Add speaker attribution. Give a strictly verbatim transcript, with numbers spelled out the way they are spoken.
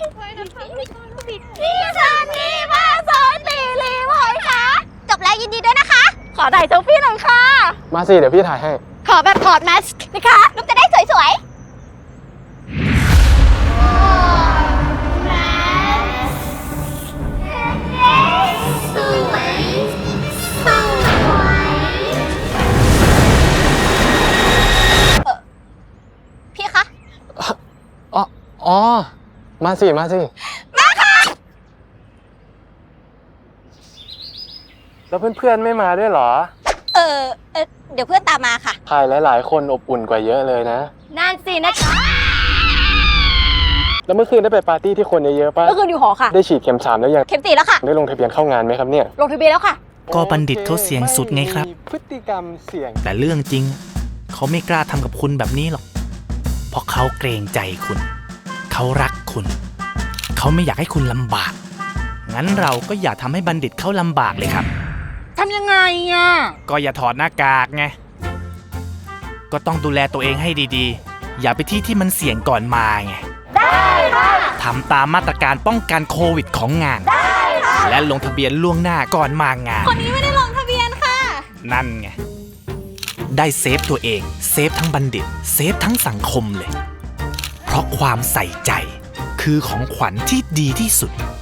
Speaker 1: พี่ซันนี่มาซอยตีรีพอยค่ะจบแล้วยินดีด้วยนะคะ ขอถ่ายเซลฟี่หน่อยค่ะ
Speaker 2: มาสิเดี๋ยวพี่ถ่ายให้
Speaker 1: ขอแบบถอดแมสก์นะคะลูกจะได้สวยๆพี่คะ
Speaker 2: อ๋ออ๋อมาสิมาสิมาค่ะแล้วเพื่อนๆไม่มาด้วยเหรอ
Speaker 1: เออเออเดี๋ยวเพื่อนตามมาค่ะ
Speaker 2: ถ่ายหลายๆคนอบอุ่นกว่าเยอะเลยนะ
Speaker 1: นั่นสินะคะ
Speaker 2: แล้วเมื่อคืนได้ไปปาร์ตี้ที่คนเยอะๆป่ะ
Speaker 1: เมื่อคืนอยู่หอค่ะ
Speaker 2: ได้ฉีดเข็มสามแล้วยัง
Speaker 1: เข็มสี่แล้วค่ะ
Speaker 2: ได้ลงทะเบียนเข้างานไหมครับเนี่ย
Speaker 1: ลงทะเบียนแล้วค่ะ
Speaker 3: ก็บัณฑิตเขาเสี่ยงสุดไงครับ
Speaker 2: ม่มีพฤติกรรมเสี่ยง
Speaker 3: แต่เรื่องจริง เขาไม่กล้าทำกับคุณแบบนี้หรอก เพราะเขาเกรงใจคุณ เขารักคุณ เขาไม่อยากให้คุณลำบาก งั้นเราก็อย่าทำให้บัณฑิตเขาลำบากเลยครับ
Speaker 4: ทำยังไงอ่ะ
Speaker 3: ก็อย่าถอดหน้ากากไง ก็ต้องดูแลตัวเองให้ดีๆ อย่าไปที่ที่มันเสี่ยงก่อนมาไง ได้ค่ะทำตามมาตรการป้องกันโควิดของงาน ได้ค่ะและลงทะเบียนล่วงหน้าก่อนมางาน
Speaker 1: คนนี้ไม่ได้ลงทะเบียนค่ะ
Speaker 3: นั่นไง ได้เซฟตัวเอง เซฟทั้งบัณฑิต เซฟทั้งสังคมเลย เพราะความใส่ใจ คือของขวัญที่ดีที่สุด